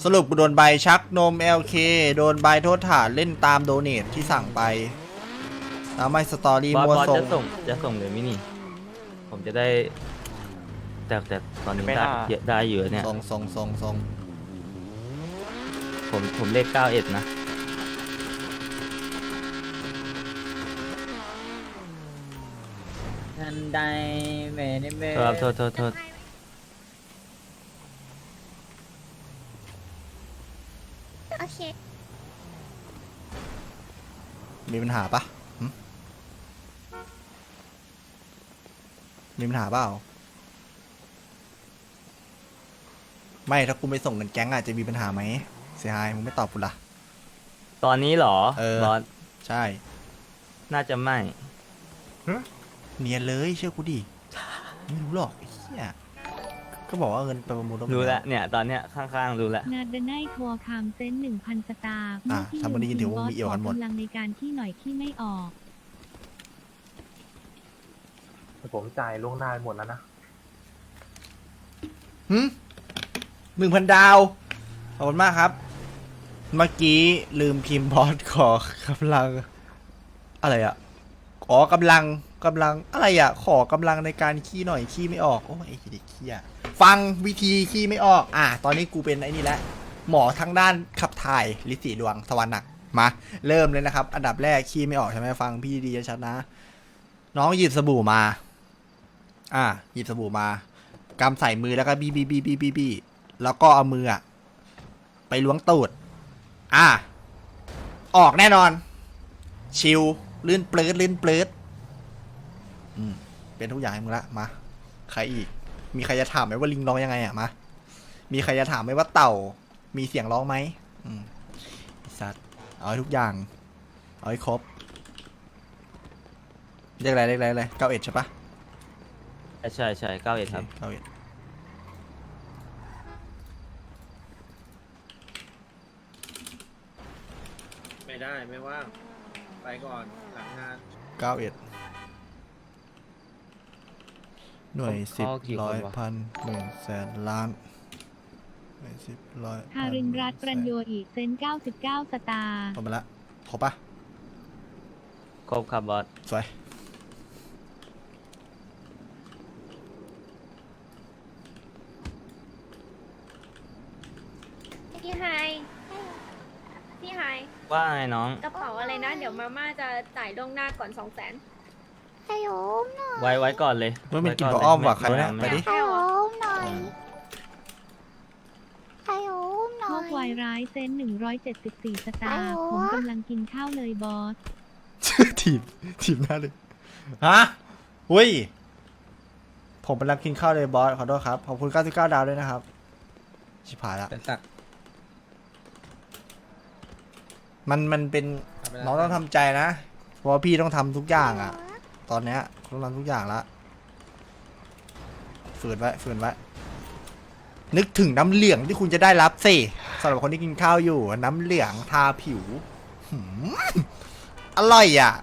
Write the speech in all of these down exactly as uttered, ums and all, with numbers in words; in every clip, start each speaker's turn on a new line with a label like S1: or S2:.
S1: สรุปกูโดนใบชักนม แอล เค โดนใบโทษฐานเล่นตามโดเนทที่สั่งไปแล้วไม่สตอรี่
S2: บอส
S1: มั่ว
S2: บอส
S1: ส่ง
S2: จะส่งจะส่งเลยมินี่ผมจะได้แต่แต่ตอนนี้ได้เยอะได้อยู่เนี่ย
S1: ส่งส่งส่งส่ง
S2: ผมผมเลขเก้าเอ็ดนะ
S3: ทันใดเมเนเม
S2: ครับโทษโทษโทษ
S4: โอเค
S1: มีปัญหาปะหึมีปัญหาเปล่าไม่ถ้ากูไม่ส่งเงินแก๊งอาจจะมีปัญหาไหมเสียหายมึงไม่ตอบกูละ
S2: ตอนนี้เหรอ
S1: เออ
S2: บอส
S1: ใช่
S2: น่าจะไม่
S1: เนียนเลยเชื่อกูดิไม่รู้หรอกไอ้เหี้ยก็บอกว่าเงินไปประมูล
S2: รู้แล้วเนี่ยตอนเนี้ยข้างๆรู้แล้ว
S5: นาดไนทัวร์คามเซนหนึ่งพันสตาร์
S1: อ่ะถ้ามันได้ยินถือว่ามีเอี่ยวกันหมด
S5: กำลังในการที่หน่อยที่ไม่ออก
S6: ผมจ่ายล่วงหน้าไปหมดแล้วนะ
S1: หึหนึ่งพันดาวขอบคุณมากครับ เมื่อกี้ลืมพิมพ์บอสขอกำลัง อะไรอ่ะอ๋อกำลังกำลังอะไรอ่ะ ขอกำลังในการขี้หน่อยขี้ไม่ออกโอ้ยไอ้เด็กขี้อ่ะฟังวิธีขี้ไม่ออกอ่ะตอนนี้กูเป็นไอ้นี่แหละหมอทั้งด้านขับถ่ายลิสีดวงสวรรค์หนักมาเริ่มเลยนะครับ อันดับแรกขี้ไม่ออกใช่ไหมฟังพี่ดีชัดนะ น้องหยิบสบู่มา อ่ะหยิบสบู่มากำใส่มือแล้วก็บีบีบีบีบีบีแล้วก็เอามืออ่ะไปล้วงตูดอ่ะออกแน่นอน ชิลลื่นเปลืดลื่นเปลืดอืมเป็นทุกอย่างให้มึงละมาใครอีก มีใครจะถามไหมว่าลิงร้องยังไงอ่ะมามีใครจะถามไหมว่าเต่ามีเสียงร้องไหมอืมไอ้สัตว์เอาให้ทุกอย่างเอาให้ครบเรียกอะไรเรียกอะไรเลยเก้าเอ็ดใช่ปะ
S2: ใช่ใช่เก้าเอ็ดครับ
S1: เก้าเอ็ด
S7: ไม่ได้ไม่ว่าง ไปก่อนหลังงาน
S1: เก้าเอ็ดหน่วยสิบ
S2: เขากี่คน
S1: ร้อยว
S2: ะ
S1: พันหมื่นแสนล้านหน่วยสิบร้อย
S5: ฮารินรัตน์ประโยชน์อีกเซนเก้าสิบเก้าสตาร์
S1: หมดไปละครบปะ
S2: ครบครับบอส
S1: สวย
S4: พี่ไฮพี่ไฮ
S2: ว่าไงน้อง
S4: กระเป๋าอะไรนะ เดี๋ยวมาม่าจะจ่ายล่วงหน้าก่อนสองแสนให้โอมหน่อย
S2: ไว้ไว้ก่อนเลย
S1: เมื่อมันกิน
S2: ไ
S1: พออ้อมว่ะใคร
S2: ไม่
S1: นะ
S2: ไม่
S1: ไปดิ
S4: ให้โอมหน่อยให้โอมห
S5: พ
S4: น่อ
S5: วย กวายร้ายเซนหนึ่งร้อยเจ็ดสิบสี่สตาร์
S4: ไอ้โห
S5: ผมกำลังกินข้าวเลยบอส
S1: ทีมทีมหน้าเลยฮะอุ้ยผมกำลังกินข้าวเลยบอสขอโทษครับขอบคุณเก้าสิบเก้าดาวด้วยนะครับชิบหายละ
S7: เป็นสัก
S1: มันมันเป็นน้องต้องทำใจนะ เพราะว่าพี่ต้องทำทุกอย่างอะตอนเนี้ยต้องทำทุกอย่างละฝืนไว้ฝืนไว้นึกถึงน้ำเหลืองที่คุณจะได้รับสิสำหรับคนที่กินข้าวอยู่ น้ำเหลืองทาผิวหืมอร่อยอ่ะ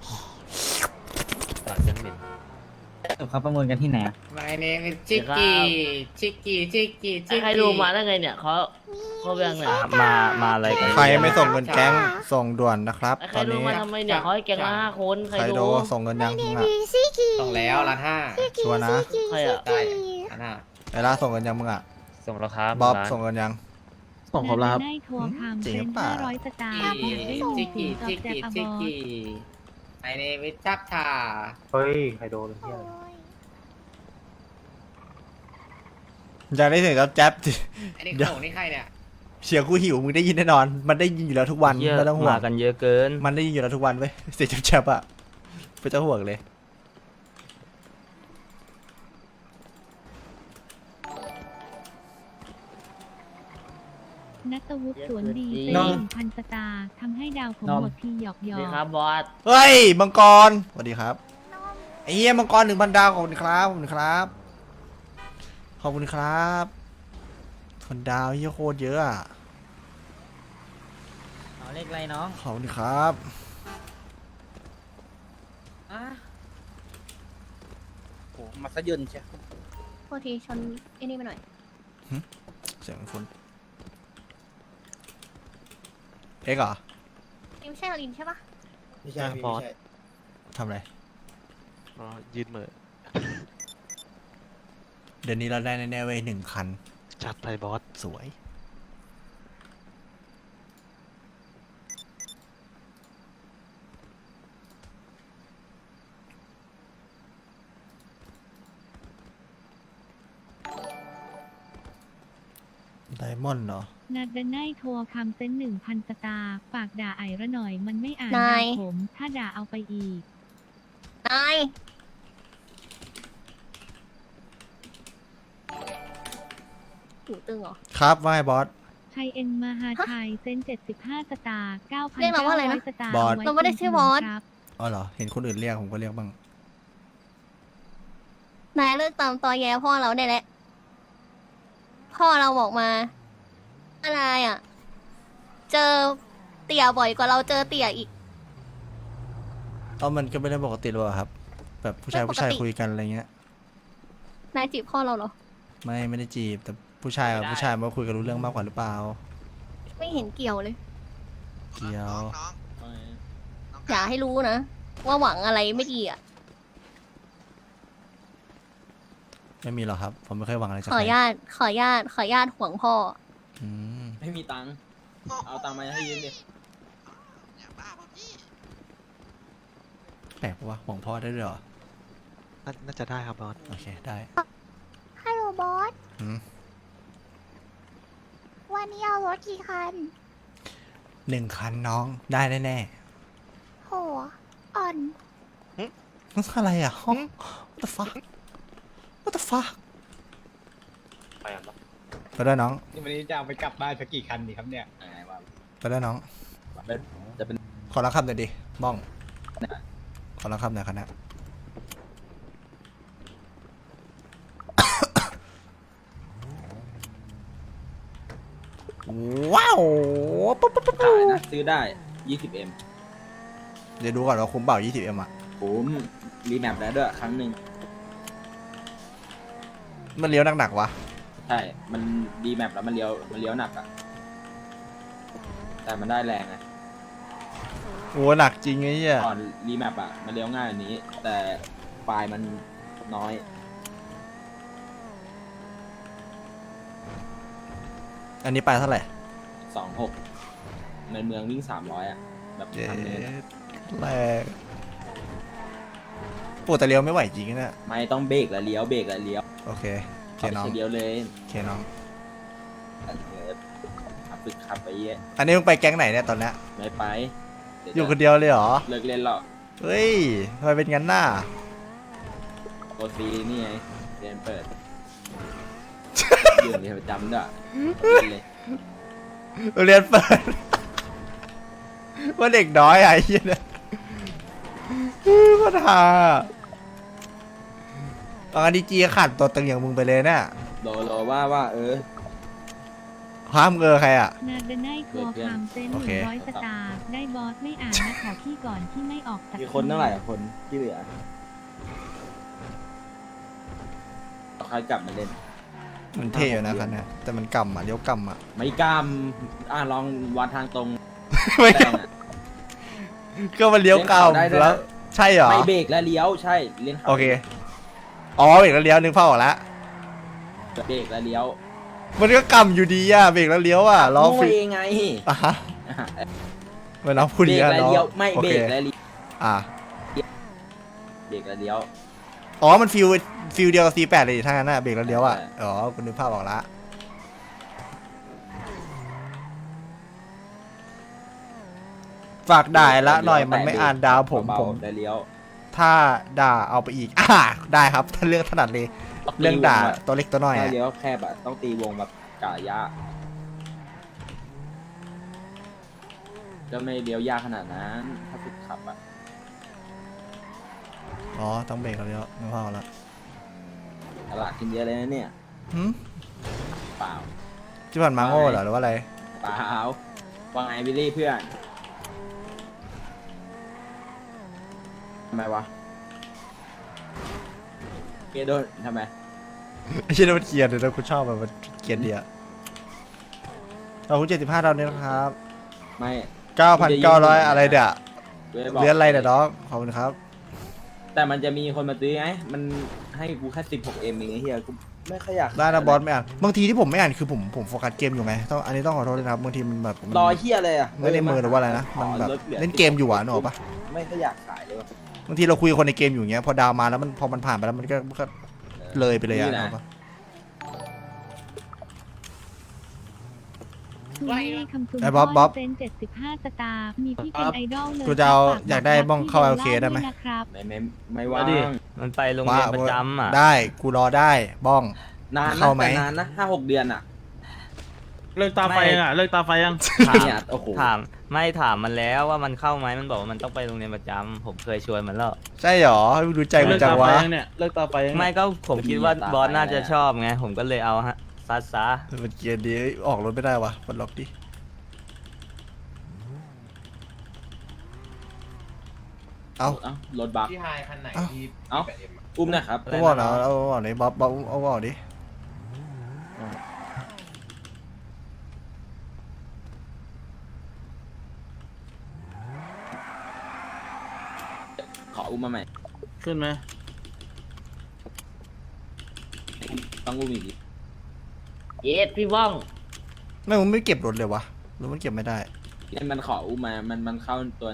S2: ปากยังเหม็น
S3: เขาประมูลกันที่ไหนอะ
S7: My name is Chicky Chicky Chicky Chicky
S8: ใครดูมาได้ไงเนี่ยเขาเขาแบ่งเนี่ย
S2: มามาอะไรกัน
S1: ใครไม่ส่งเงินแก๊งส่งด่วนนะครับ
S8: ใค
S1: ต
S8: ร
S1: อน
S8: ดู
S1: นี้
S8: มาทำไมเนี่ยเขาให้แกงละห้าคนใคร
S1: ใคร
S8: ดู
S1: โดส่งเงินยังมึงอะ
S4: ซิกิ
S7: ต้องแล้วล้านห้า
S1: ชัวร์นะ
S8: ใครอะ
S7: ได้ล้านห้า
S1: ไอ้ล่าส่งเงินยังมึงอะ
S2: ส่งแล้วครับ
S1: บ๊อบ
S2: ร้าน
S1: ส่งเงินยัง
S3: ส่งครบแล้วครับ
S5: นาดไนทัวร์คาม
S1: จริ
S5: เซ
S1: ง
S5: น
S1: หรือเปล่า
S5: ห้าร้อยสตาร์อยากได้ส่ง
S7: จิก
S5: ถึ
S7: กี้
S5: งกับ
S7: จิก
S5: แจ็ค
S7: กี้
S5: อะบ
S7: จิก
S5: อส
S7: กี้ My name is จับชา
S6: เฮ้ย ใครโดนเฮีย
S1: อยากได้เสียงกับแจ๊บ
S7: อันนี้
S1: เดี๋ยว
S7: ของนี่ใครเนี่ย
S1: เสียงกูหิวมึงได้ยินแน่นอน มันได้ยินอยู่แล้วทุกวัน
S2: เยอะ
S1: ไม่ต้องห่ว
S2: มาง กันเยอะเกิน
S1: มันได้ยินอยู่แล้วทุกวันเว้ยเสียงแฉบๆอะไม่ต้องห่วงเลย
S5: นัตวุฒิสวนดีเซน
S1: น้อง
S5: หนึ่งพันสตาร์ทำให้ดาวผม
S3: น้อง
S5: หมดทีหยอกหยอ
S8: ดี
S5: ก
S8: ครับบอส
S1: เฮ้ยมังกรสวัสดีครับไอ้เหี้ยมังกรหนึ่งพันดาวขอบคุณครับขอบคุณครับขอบคุณครับคนดาวเหี้ยโคตรเยอะอะ
S3: เอาเลขอะไรน้อง
S1: ขอบคุณครับ
S3: อ่ะ
S7: โอ้มาซะยืนใช่
S4: โทษทีชนไอ้นี่มาหน่อย
S1: เสียงคนเอ็กซ์เหรอ
S4: ลินใช่ลินใช่ปะ
S7: ไม่ใช่พี่
S2: บอส
S7: ไม่ใช่
S1: ทำอะไร
S2: อ๋อยืนเหมือ
S1: เดี๋ยวนี้เราได้แน่ๆเว้ยหนึ่งคัน
S2: จัดไปบอส
S1: สวย ไดมอนด์เหรอ
S5: นัดดันไนโทรคำเซ็นหนึ่งพันสตาร์ฝากด่าไอ้ระหน่อยมันไม่อ่าน
S4: นา
S5: ด่าย ผม ถ้าด่าเอาไปอีก
S4: นายหูตึงเหรอ
S1: ครับว่าไงบอส
S5: ไทยเอ็นมหาชัยเซ็นเจ็ดสิบห้าสตาร์เก้าพัน
S4: เรียกเราว่าอะไรนะ
S5: สตาร์
S1: บอส
S5: ว้
S4: เราไม่ได้ชื่อบอส
S5: ครับ
S1: อ๋อเหรอ เห็นคนอื่นเรียกผมก็เรียกบ้าง
S4: นายเลิกตามตอแยพ่อเราได้แล้ว พ่อเราบอกมา อะไรอ่ะ เจอเตี่ยบ่อยกว่าเราเจอเตี่ยอีก
S1: เอามันก็ไม่ได้ปกติหรอกครับ แบบผู้ชาย
S4: ไม่ปกติ
S1: ผู้ชายคุยกันอะไรเงี้ย
S4: นายจีบพ่อเราเหรอ
S1: ไม่ไม่ได้จีบ แต่ผู้ชายกับผู้ชายมาคุยกันรู้เรื่องมากกว่าหรือเปล่า
S4: ไม่เห็นเกี่ยวเลย
S1: เกี่ยว
S4: อย่าให้รู้นะ ว่าหวังอะไรไม่ดีอ่ะ
S1: ไม่มีหรอกครับ ผมไม่เคยหวังอะไรจาก
S4: ขอ
S1: ใค
S4: อ
S1: ร
S4: นุญาต ขออนุญาต ขออนุญาตห่วงพ่อ
S1: อืม
S3: ไม่มีตังค์ เอาตังค์มาให้ยืมดิ
S1: แปลกปะวะหวังพ่อได้ด้วยเหรอ
S2: น่าจะได้ครับบอส
S1: โอเค ได้
S9: ฮัลโหลบอส
S1: อืม
S9: วันนี้เอารถกี่คัน
S1: หนึ่งคันน้อง ได้แน่
S9: โห อ่อน
S1: ๆนั่นอะไรอ่ะห้อง what the fuck what the fuck
S2: ไปอ่ะ
S1: ไปด้วยน้อง
S3: นี่วันนี้จะเอาไปกลับบ้านสักกี่คันดีครับเนี่ยอะไรวะ
S1: ไปด้วยน้อง
S3: จะเป็น
S1: ขอรับคำหน่อยดิบ้อง ขอรับคำหน่อยคณะ ว้าวปุ๊บปุ๊บปุ๊บ
S3: ขายนะ ซื้อได้ ยี่สิบเอ็ม
S1: เดี๋ยวดูก่อนว่าคุ้มเปล่า ยี่สิบเอ็ม อ่ะ
S3: ผมรีแมปแล้วด้วยครั้งหนึ่ง
S1: มันเลี้ยวหนักๆวะ
S3: ใช่ มันรีแมปแล้วมันเลี้ยว มันเลี้ยวหนักอะแต่มันได้แรงไง
S1: โอ้หนักจริงไอ้เหี้ย
S3: ก่อนรีแมปอะมันเลี้ยวง่ายกว่านี้ แต่ไฟล์มันน้อย
S1: อันนี้ไปเท่าไหร่
S3: สองหกในเมืองวิ่งสามร้อยอะแบบ
S1: เย้
S3: ทำเนินอะ
S1: แรงปวดแต่เลี้ยวไม่ไหวจริงนะเนี่ย
S3: ไม่ต้องเบรกแล้วเลี้ยว เบรกแล้วเลี้ยว
S1: โอเคโอเค
S3: เอาไป
S1: น้อง
S3: เฉยเดียวเลย
S1: โอเคน้อง
S3: ขับฝึกขับไปเยอะ
S1: อันนี้มึงไปแก๊งไหนเนี่ยตอนเนี้ย
S3: ไม่ไปเดี๋ว
S1: อยู่คนเดียวเลยเหรอ
S3: เลิกเล่นแล้ว
S1: เฮ้ยทำไมเป็นงั้นน่ะ
S3: โอซีนี่ไงเรียนเปิด อยู่ในประจำด้วยเล่นเลย
S1: เรียนเปิด ว่าเด็กน้อยอะไอ้เหี้ยเนี่ยก็ทาตอนนี้จีขาดตัวตึงอย่างมึงไปเลยเนี่ย
S3: โลโลว่าว่าเออ
S1: ห้ามเกอใครอ่ะ
S5: นัดดันไนโทรคำเซ็นห
S1: โอ
S5: นึ่
S1: เค
S5: งร้อยสตาร์ได้บอสไม่อ่านนะขอพี่ก่อนที่ไม่ออกจาก
S3: มีคนเท่าไหร่อะคนที่เหลือเอาใครกลับมาเล่น
S1: มันเท่อยู่นะครับเนี่ยแต่มันกำอ่ะเลี้ยวกำอ่ะ
S3: ไม่กล้ามอ่ะลองวัดทางตรง
S1: ไม่
S3: แซ
S1: ก
S3: งอะ
S1: ำก็มันเลี้ยวก
S3: ได้ด้วยนะ
S1: ำแล้ว ใช่เหรอ
S3: ไม่เบรกแล้วเลี้ยวใช่เล่นขา
S1: โอเค อ๋อเบรกแล้วเลี้ยวนึกภาพออกแล้ว
S3: เบรกแล้วเลี้ยว
S1: มันก็กำอยู่ดีอ่ะเบรกแล้วเลี้ยวอ่ะล้อ
S3: โง่
S1: ฟิ
S3: เองไง
S1: อ่ะฮะเวลาพูด
S3: เบร
S1: ดี
S3: ก
S1: อ่ะ
S3: แล้ว
S1: เนาะ
S3: เลี้ยวไม่
S1: โอ
S3: เบร
S1: เค
S3: กแล้วเลี้ยว
S1: อ่ะ
S3: เบรกแล้วเลี้ยว
S1: อ๋อมันฟิลฟิลเดียวกับ ซี แปด เลยถ้างั้นน่ะเบรกแล้วเลี้ยวอ่ะ
S3: ใช่
S1: อ๋อคุณนึกภาพออกละฝากด่ายละหน่อยมันไม่อ่านดาวผม
S3: เบาๆ
S1: ผม
S3: ได้เลี้ยว
S1: ถ้าด่าเอาไปอีก อ่าได้ครับ ถ้าเรื่องถนัดเลย เรื่องด่าตัวเล็กตัวน้อย
S3: ถ้า
S1: อะ
S3: เลี้ยวแคบอะต้องตีวงแบบกะยะก็ไม่เลี้ยวยากขนาดนั้น ถ้าฝึกขับอะ
S1: อ๋อ ต้องเบรกแล้วเลี้ยวนึกภาพออกละ
S3: ตลาดกินเยอะเลยนะเนี่ย
S1: หืม
S3: เปล่า
S1: ที่ผ่านมาโง่เหรอหรือว่าอะไร
S3: เปล่าว่าไงบิลลี่เพื่อนทำไมวะเกโดนทำไม
S1: ไอ้เชี่ยมันเกลียดเลยนะกูชอบแบบมันเกลียดเดียขอบคุณเจ็ดสิบห้าดาวนี้นะครับ
S3: ไม่
S1: เก้าพันเก้าร้อยอะไรเดี๋ย
S3: กูจะบอก
S1: เรียนอะไรเดี๋ยน้องขอบคุณครับ
S3: แต่มันจะมีคนมาซื้อไงมันให้กูแค่สิบหกเอ็มเองไอ้เหี้ยกูไม่ค่อยอยาก
S1: ได้นะบอสไม่อ่านบางทีที่ผมไม่อ่านคือผมผมโฟกัสเกมอยู่ไงต้องอันนี้ต้องขอโทษด้วยนะครับบางทีมันแบบมัน
S3: รอเหี้ยเลยอ่ะ
S1: ไม่ได้มือหรือว่าอะไรนะมันแบบเล่นเกมอยู่อ่ะนึกออกปะ
S3: ไม่ค่อยอยากขายเลยว่ะ
S1: บางทีเราคุยกับคนในเกมอยู่อย่างเงี้ยพอดาวมาแล้วมันพอมันผ่านไปแล้วมันก็มันก็เลยไปเลยอ่ะนึกออกปะ
S5: คุณแม่คำจุน
S1: ไอ้บ๊อบบ๊อบ
S5: เซนเจ็ดสิบห้าสตาร์มีพี่เป็นไอดอลเลย
S1: กูจะเอา
S5: ฝก
S1: อยากได้บ้องเข้า
S5: พี่
S1: โอเคได้ไหม
S5: ด้วยนะครับ
S3: ไม่ไม่ไม่ว่า
S2: เอาดิ มันไปโรงเรียนประจำอ่ะ
S1: ได้กูรอได้บ้อง
S3: นานนะ
S1: เข้าไหม
S3: แต่นานนะห้าหกเดือนอ่ะ
S7: เลิกตาไฟยังอ่ะ เลิกตาไฟยัง
S2: ถาม
S3: เนี่ยโอ้โห
S2: ถามไม่ถามมันแล้วว่ามันเข้าไหมมันบอกว่ามันต้องไปโรงเรียนประจำผมเคยชวนมันแล้ว
S1: ใช่หรอดูใจกู
S7: เลิก
S1: จัง
S7: ตาไฟ
S1: วะ
S7: ยังเนี่ย เลิกตาไฟยัง
S2: ไม่ก็ผมคิดว่าบอสน่าจะชอบไง ผมก็เลยเอาฮะซัดซะ
S1: มันเกียร์ดีออกรถไม่ได้วะมันล็อกดิเอา
S3: เอ้า รถบัก
S6: พี่ไฮคันไหน
S1: เอ้า
S6: ที่
S3: เอ้า อุ้มหนะครับ
S1: เอาบอกนะเอาบอกดิบ๊อบบ๊อบเอาบอกดิ
S3: ขออุ้มมาใหม่
S7: ขึ้นไหม
S3: ต้องอุ้มอีกดิ
S8: เย็ดพี่ว่อง
S1: ไม่มึงไม่เก็บรถเลยวะหรือมันเก็บไม่ได้
S3: นี่มันขออุ้มมา มันมันเข้าตัว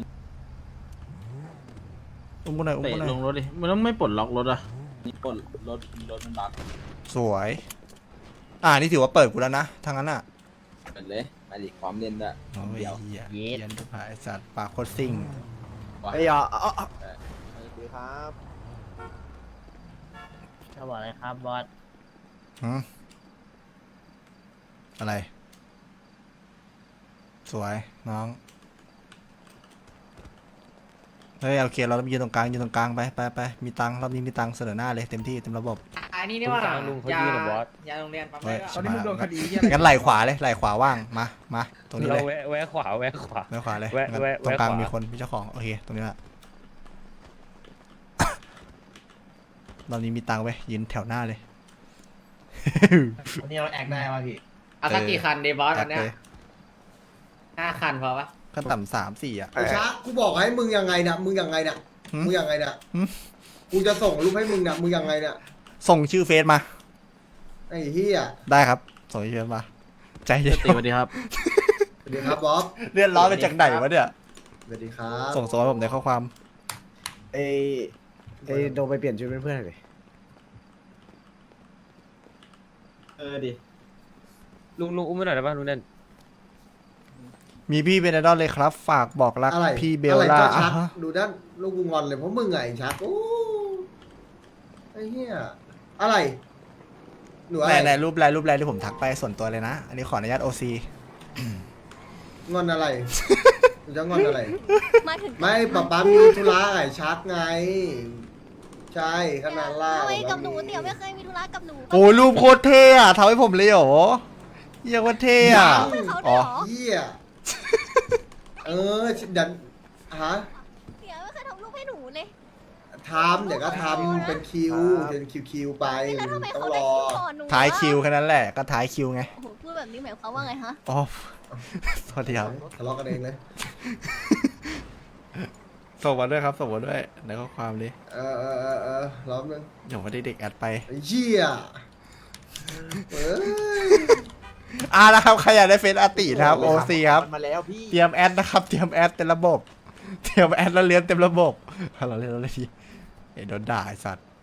S1: อุ้มกูหน่อยอุ้ม
S7: เตะ
S1: กูหน่
S7: ล
S1: อย
S7: งรถดิ มันต้องไม่ปลดล็อกรถอ่ะ
S3: นี่ปลดรถรถมันบัก
S1: สวย อ่านี่ถือว่าเปิดกูแล้วนะทางนั้นอ่ะ
S3: เปิดเลยมาดิพร้อมเล่นด้วย
S1: โอ้ย
S3: เดียว
S1: เหี้ย
S8: เย็ด
S1: เหี้ย็นทุกผายสัตว์ปากโคตรซิ่ง
S3: ว่ะ
S1: ไอ้ยอ่ะอ่ะอ่ะ
S6: ครับ
S8: เขาบอกอะไรครับบอส
S1: หืมอะไร สวยน้องเฮ้ยโอเคเราต้องยืนตรงกลางยืนตรงกลางไปไปไปมีตังค์รอบนี้มีตังค์เสนอหน้าเลยเต็มที่เต็มระบบ
S3: อันนี้นี่ว่า
S2: ลุงเขายืนกับบอส
S3: ยาโรงเรียนปั๊ม
S1: เฮ้ย
S3: ได้
S1: ตอนนี้มึงโดนคดีงั้นไหล่ขวาเลยไหล่ขวาว่างมามาตรงนี้
S2: เรา
S1: เลย
S2: แวะแวะขวาแวะขวา
S1: ไหล่ขวาเลย
S2: แวะ
S1: งั้น
S2: แวะ
S1: ตรงกลาง
S2: แวะขวามี
S1: มีคนมีเจ้าของโอเคตรงนี้แหละ ตอนนี้มีตังค์ไว้ยืนแถวหน้าเลย
S6: วันนี้เราแอคได้ป่ะพี่
S1: เอาสักกี่คันดีบอสอันเนี้ย
S3: ห้าคันพอปะ
S1: ขั้นต่ำสามสี่อ่ะ
S10: ไอ้ช้ากูบอกให้มึงยังไงเนี่ยมึงยังไงเนี่ย
S1: หืม
S10: มึงยังไงเนี่ย
S1: หืม
S10: กูจะส่งรูปให้มึงเนี่ยมึงยังไงเนี่ย
S1: ส่งชื่อเฟซมา
S10: ไอ้เฮีย
S1: ได้ครับ ส่งชื่อเฟซมา ใจเย็น
S7: ตีสวัสดีครับ
S10: สวัสดีครับบ๊อบ
S1: เรียนร้อนไปจากไหนวะเนี่ย
S10: สวัสดีครับ
S1: ส่งส่งให้ผมในข้อความ
S6: เอเอโดนไปเปลี่ยนชุดเป็นเพื่อนเลย
S3: เออดิ
S2: ลุงลุงอุ้มไม่หน่อยได้ป่ะลุงเด่น
S1: มีพี่เป็นไอดอลเลยครับ ฝากบอกรัก
S10: อะไร
S1: พี่เบล
S10: อะไร
S1: ล่า
S10: ก็
S1: อ่ะ
S10: ชัก
S1: ฮะ
S10: ดูด้านลูกกูงอนเลยเพราะมึงไงไอ้ชักโอ้ไอ้เฮียอะไรหนูอะ
S1: ไหน
S10: ไร
S1: ไหนรูปไลน์รูปไลน์ที่ผมทักไปส่วนตัวเลยนะ อันนี้ขออนุญาตโอซี
S10: งอนอะไรหนูจะงอนอะไร
S4: มาถึง
S10: ไม่ป๊าป๊ามีธุระไอ้ชักไง ใช่ขนาดล่า
S4: ทำไมกับหนูเตี่ยวไม่เคยมีธุระกับหนู
S1: โอ้ยรูปโคตรเท่อะทำให้ผมเลยเหรอเยี่ยว่าเท่อะ
S4: ให้เขาด้
S1: อ๋
S4: ว
S1: อ
S4: ยเหรอ
S10: เฮียเออดันฮะ
S4: เตี่ยวไม่เคยทำรูปให้หนูเลย
S10: ทำเดี๋ยวก็ทำเป็นคิวเป็นคิวคิวๆไป
S4: แล้วทำไม
S10: ต้อง
S4: เขา
S10: ร
S4: ได้
S10: อ
S4: คิวก่อนหนู
S1: ท้ายคิวแค่นั้นแหละก็ท้ายคิวไง
S4: โอ้โหพูดแบบนี้หมายความว่าไงฮะ
S1: อ๋อ สวัสดีครับ
S10: ทะเลาะกันเองเลย
S1: ส่งมาด้วยครับส่งมาด้วยในข้อความดิ
S10: เออเออเออเออรอบนึง
S1: เดี๋ยวว่าได้เด็กแอดไป
S10: ไอ้เหี้ยเอ้ย
S1: อ่านะครับใครอยากได้เฟซอาตินะครับโอซีครับ
S6: มาแล้วพี่
S1: เตรียมแอดนะครับเตรียมแอดเต็มระบบ เตรียมแอดแล้วเลี้ยงเต็มระบบเราเล่นเราเล่นทีเอ้ยโดนด่าไอ้สัตว์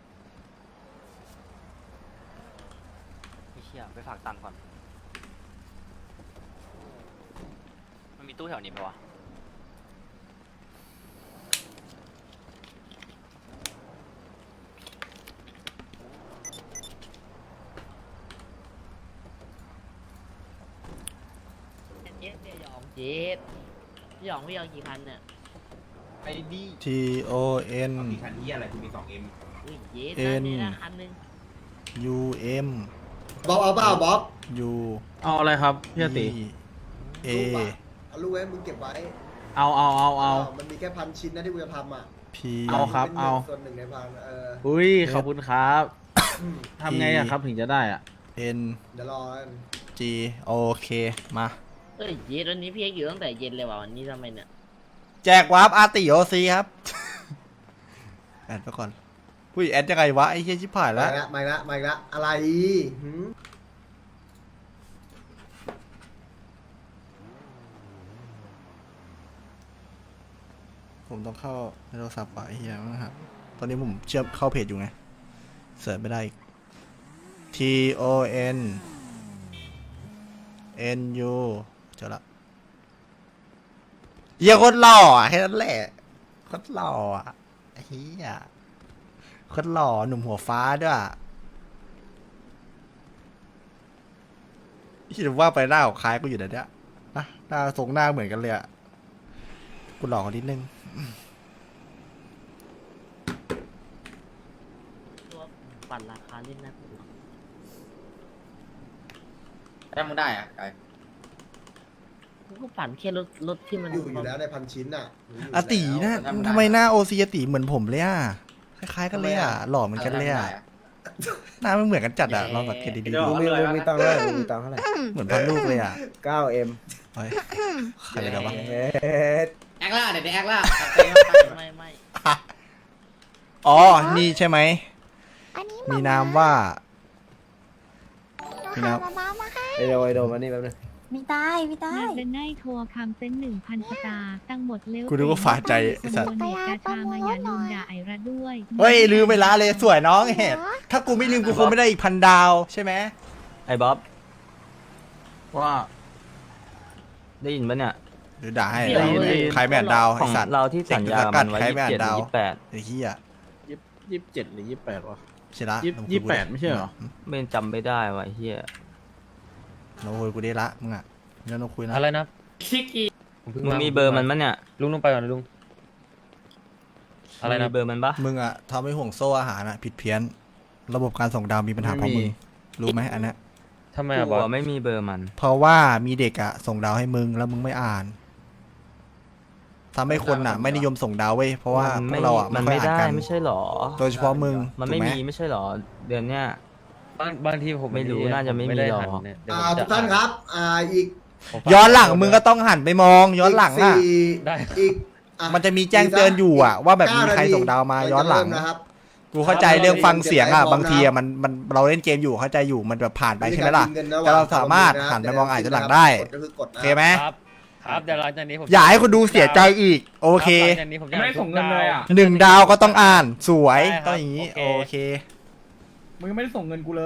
S2: ไม่เชี่ยไปฝากตังค์ก่อน มันมีตู้แถวนี้ปะวะ
S8: เย็ดเนี่ยหยองเย็ดพี่หยองพี่หยองกี่คันเนี่ย
S3: ไอ้ดี
S1: T O N
S3: มีคันที่อะไรคุณมีสองเอ็ม
S8: อุ้ยเย็ด
S1: เอ็
S8: นะ
S1: น
S8: นี่นะคันหนึง
S1: U M
S10: บ๊อบเอาเปล่าบ๊อบ
S1: U
S7: เอาอะไรครับพี่อติ
S1: E A
S10: ลูกอะเอาลูกไว้มึงเก็บไว้
S7: เอาเอาเอาเอา
S10: มันมีแค่พันชิ้นนะที่กูจะทำอ่ะ
S1: P
S7: เอาครับ
S10: ป็นหนึ่งส่วนหนึ่งในพันเออ
S7: อุ้ยขอบคุณครับทำไงอะครับถึงจะได้อะ
S1: N
S10: เดี๋ยวรอกัน
S1: G โอเคมา
S8: เอ้ยเย็ดวันนี้พี่เอกอยู่ตั้งแต่เย็นเลยว่ะวันนี้ทำไมเนี่ย
S1: แจกวาร์ปอาร์ติโอซีครับ แอดไปก่อนอุ้ยแอดยังไงวะไอ้เฮียชิบหาย
S10: มา
S1: แล้ว
S10: ละมาละมาละอะไรหืม
S1: ผมต้องเข้าในโทรศัพท์ว่ะไอ้เฮียนะครับตอนนี้ผมเชื่อมเข้าเพจอยู่ไงเสิร์ชไม่ได้อีก T O N N U เจอละเฮียโคตรหล่ออ่ะแค่นั้นแหละโคตรหล่ออ่ะไอ้เฮียโคตรหล่อหนุ่มหัวฟ้าด้วยคิดว่าไปหน้าของคล้ายกูอยู่เดี๋ยวนี้นะหน้าทรงหน้าเหมือนกันเลยอ่ะกูหล่อกว่านิดนึง
S8: ตัวปั่นราคาเล่นนะ
S3: ถ้ามึงได้อ่ะไก
S8: กูก็ปั่นแค่รถรถที่มัน
S10: อยู่อยู่แล้วในพันชิ้นอ่ะหนูอยู่
S1: อาตีนะ
S10: แล้ว
S1: ทำไมหน้าโอซีอาตีเหมือนผมเลยอ่ะคล้ายๆกันเลยอ่ะหล่อเหมือนกันเลยอ่ะหน้าไม่เหมือนกันจัดอ่ะลองสังเกตดี
S6: ลุงมีลุงมีตังค์เท่าไหร่ลุงมีตังค์เท่าไหร่
S1: ๆเหมือนพันลูกเลยอ่ะ
S6: เก้าเอ็ม
S1: เฮ้ยใครไปแล้ววะ
S6: เฮ็ด
S3: แอคล่าเดี๋ยวแอคล่า
S8: ไม่ไม่
S1: อ๋อนี่ใช่ไหม
S9: อันนี้
S1: มีนามว่า
S9: หนูหามาม่ามาให้
S6: ไอโดไอโดมานี่แป๊บนึง
S9: มีได้มีได้
S5: มาเดนไนทัวร์คำเซ็นหนึ่งพันสตาร์ตั้งหมดเร็ว
S1: กูนึกว่าฝาใจไอ้สัตว์
S5: โดเนตกาชามาอย่าลืมด่าไอระด้วย
S1: เฮ้ยลืมไปละเลยสวยน้องเห็ดถ้ากูไม่ลืมกูคงไม่ได้อีกพันดาวใช่ไหม
S2: ไอ้บ๊อบ
S1: ว่า
S2: ได้ยินปะเนี่ย
S1: หรือด่าให้ใครไม่อ่านดาว
S2: ข
S1: ไอ
S2: อง
S1: สัตว์
S2: เราที่สัญญามันไว้
S1: ใคร
S2: ยี่
S1: ไม่
S2: สิบ
S1: อ่าน
S2: เจ็ดห
S1: ดาว
S2: รือยี่สิบแปด
S1: ไอ้เหี้ย
S7: ยี่สิบเจ็ดหรือยี่สิบแปดวะ
S1: ใช่ละ
S7: ยี่สิบยี่สิบแปดไม่ใช่เหรอ
S2: ไม่จำไม่ได้ว่ะไอ้เฮีย
S1: เราคุยกูได้ละมึงอ่ะเดี๋ยวเราคุยนะ
S11: อะไรนะ
S3: ชิกี
S2: มึงมีเบอร์มันมั้ยเนี่ย
S11: ลุงลุงไปก่อนนะลุง อะไร
S2: มึง
S11: นะ
S2: มีเบอร์มันปะ
S1: มึงอะทำให้ห่วงโซ่อาหารอะผิดเพี้ยน ระบบการส่งดาวมีปัญหาเพราะมึงรู้ไหมอันเนี้ย
S11: ทำไม
S2: กู
S11: อะบอส
S2: อะไม่มีเบอร์มัน
S1: เพราะว่ามีเด็กอะส่งดาวให้มึงแล้วมึงไม่อ่านทำให้คนอะไม่นิยมส่งดาวเว้ยเพราะว่าพ
S2: ไม่
S1: วกเราอะ
S2: มัน
S1: ไม่
S2: ไม่
S1: ค่อยอ่าน
S2: ได้
S1: กัน
S2: ไม่ใช่หรอ
S1: โดยเฉพาะมึง
S2: มันไม่
S1: ถูกห
S2: มีไม่ใช่หรอ เดือนเนี้ย
S11: บางบางทีผม
S2: ไม่รู้น่าจะไม่มี
S11: ด้
S2: หรอก
S11: หันเนี่ยเดี๋ยว
S10: อ่า
S11: ผมจะ
S10: ทุกท่านครับ อ่าอีก
S11: ผมฝาก
S1: ย้อนหลังมึงก็ต้องหันไปมอง ย้อนหลังอะ
S10: กสี่
S11: ได้
S10: อีกอ่
S1: มันจะมีแจ้งเตือนอยู่อะว่าแบบมีใครส่งดาวมาย้อนหลัง
S10: เริ่นะครับ
S1: กูเข้าใจเรื่องฟังเสียงอะบางทีอะมันมันเราเล่นเกมอยู่เข้าใจอยู่มันแบบผ่านไปใช่ไหมล่ะ แต่เราสามารถหันไปมองอ่านย้อนหลังได้
S10: กก็คือกด
S1: โอ
S10: นะ
S1: เคไหม
S11: ครับ ครับเดี๋ยวหลังจากนี้ผม
S1: อย่าให้คนดูเสียใจอีก โอเค
S11: หลังจากนี้ผมจะ
S3: ไม่ส่งเงินเลยอ่ะ
S1: หนึ่งดาวก็ต้องอ่านสวย
S11: ได้ครับ
S1: ต้องอย่างนี้
S11: โอ
S1: โอ
S11: เค
S1: เค
S3: มึงไม่ได้ส่งเงินกูเลย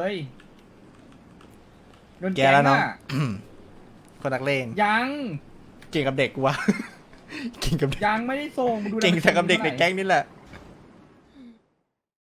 S1: แกแล้วเนาะ คนนักเลง
S3: ยัง
S1: เก่งกับเด็กกูวะ เก่งกับเด็ก
S3: ยังไม่ได้ส่งมึงดู
S1: เก่งแต่กับเด็กในแก๊งนี่แหละ